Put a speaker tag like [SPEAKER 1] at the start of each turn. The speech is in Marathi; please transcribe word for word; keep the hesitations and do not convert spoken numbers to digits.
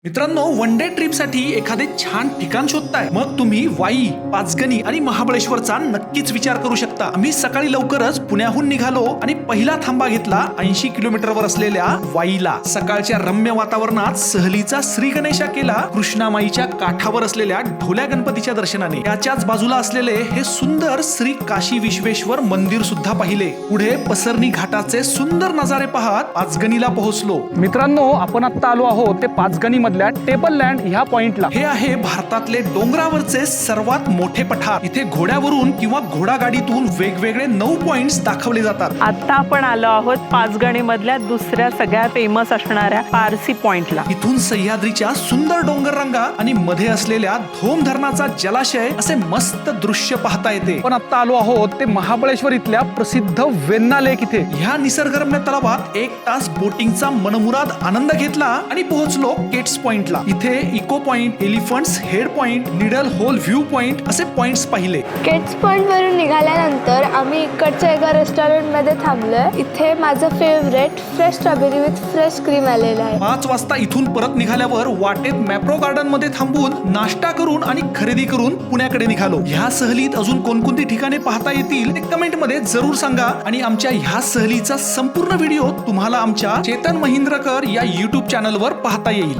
[SPEAKER 1] मित्रांनो, वन डे ट्रिप साठी एखादे छान ठिकाण शोधताय? मग तुम्ही वाई, पाचगणी आणि महाबळेश्वरचा नक्कीच विचार करू शकता. आम्ही सकाळी लवकरच पुण्याहून निघालो आणि पहिला थांबा घेतला ऐंशी किलोमीटरवर असलेल्या वाईला. सकाळच्या रम्य वातावरणात सहलीचा श्री गणेशा केला कृष्णामाईच्या काठावर असलेल्या ढोल्या गणपतीच्या दर्शनाने. त्याच्याच बाजूला असलेले हे सुंदर श्री काशी विश्वेश्वर मंदिर सुद्धा पाहिले. पुढे पसरणी घाटाचे सुंदर नजारे पाहत पाचगणीला पोहोचलो.
[SPEAKER 2] मित्रांनो, आपण आता आलो आहोत ते पाचगणी टेबल लँड ह्या पॉइंटला.
[SPEAKER 1] हे आहे भारतातले डोंगरावरचे सर्वात मोठे पठार. इथे घोड्यावरून किंवा घोडागाडीतून वेगवेगळे नऊ पॉइंट्स दाखवले जातात.
[SPEAKER 3] आता आपण आलो आहोत पाचगणी मधल्या दुसऱ्या सगळ्यात फेमस असणाऱ्या पारसी पॉइंटला.
[SPEAKER 1] इथून सह्याद्रीच्या सुंदर डोंगर रांगा आणि मध्ये असलेल्या धोम धरणाचा जलाशय असे मस्त दृश्य पाहता येते.
[SPEAKER 2] पण आता आलो आहोत ते महाबळेश्वर इथल्या प्रसिद्ध वेण्णा लेक इथे.
[SPEAKER 1] ह्या निसर्गरम्य तलावात एक तास बोटिंगचा मनमुराद आनंद घेतला आणि पोहोचलो केट्स पॉइंटला. इथे echo point, elephant's head point, needle hole view point असे पॉइंट्स पाहिले.
[SPEAKER 4] केट्स पॉइंट वरून निघाल्यानंतर आम्ही इकडच्या एका रेस्टॉरंट मध्ये थांबलोय. इथे माझं favourite fresh strawberry with fresh cream आलेलं आहे.
[SPEAKER 1] पाच वाजता इथून परत निघाल्यावर वाटेत मॅप्रो गार्डन मध्ये थांबून नाश्ता करून आणि खरेदी करून पुण्याकडे निघालो. ह्या सहलीत अजून कोणकोणती ठिकाणे पाहता येतील ते कमेंट मध्ये जरूर सांगा. आणि आमच्या ह्या सहलीचा संपूर्ण व्हिडिओ तुम्हाला आमच्या चेतन महिंद्रकर या युट्यूब चॅनलवर पाहता येईल.